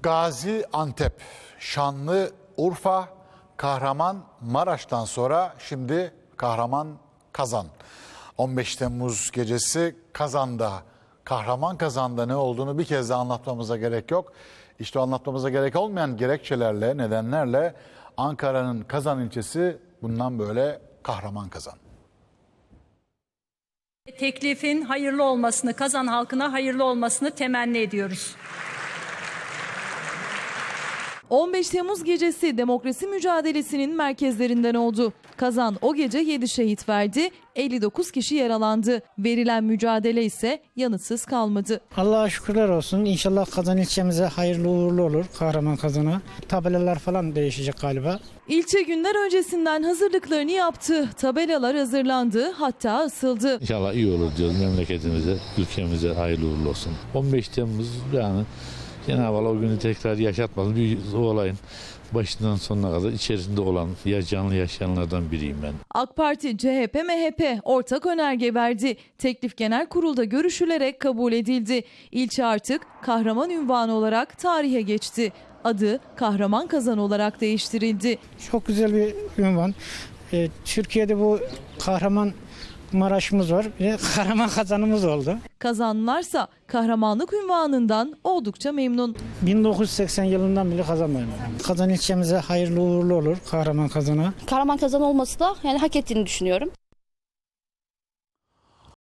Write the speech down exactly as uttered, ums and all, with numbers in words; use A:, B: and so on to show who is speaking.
A: Gaziantep, Şanlıurfa, Kahramanmaraş'tan sonra şimdi Kahraman-Kazan. on beş Temmuz gecesi Kazan'da, Kahraman Kazan'da ne olduğunu bir kez de anlatmamıza gerek yok. İşte anlatmamıza gerek olmayan gerekçelerle, nedenlerle Ankara'nın Kazan ilçesi bundan böyle Kahraman Kazan.
B: Teklifin hayırlı olmasını, Kazan halkına hayırlı olmasını temenni ediyoruz.
C: on beş Temmuz gecesi demokrasi mücadelesinin merkezlerinden oldu. Kazan o gece yedi şehit verdi, elli dokuz kişi yaralandı. Verilen mücadele ise yanıtsız kalmadı.
D: Allah'a şükürler olsun. İnşallah Kazan ilçemize hayırlı uğurlu olur, Kahraman Kazan'a. Tabelalar falan değişecek galiba.
C: İlçe günler öncesinden hazırlıklarını yaptı. Tabelalar hazırlandı, hatta asıldı.
E: İnşallah iyi olur diyoruz memleketimize, ülkemize hayırlı uğurlu olsun. on beş Temmuz yani Cenab-ı Allah o günü tekrar yaşatmasın. Bir olayın başından sonuna kadar içerisinde olan, ya canlı yaşayanlardan biriyim ben.
C: AK Parti, C H P, M H P ortak önerge verdi. Teklif genel kurulda görüşülerek kabul edildi. İlçe artık kahraman unvanı olarak tarihe geçti. Adı Kahraman Kazan olarak değiştirildi.
D: Çok güzel bir ünvan. Ee, Türkiye'de bu kahraman Maraş'ımız var. Bir de Kahraman Kazan'ımız oldu.
C: Kazanlılarsa kahramanlık unvanından oldukça memnun.
D: bin dokuz yüz seksen yılından beri kazanmıyorum. Kazan ilçemize hayırlı uğurlu olur, Kahraman Kazan'a.
F: Kahraman Kazan olması da yani hak ettiğini düşünüyorum.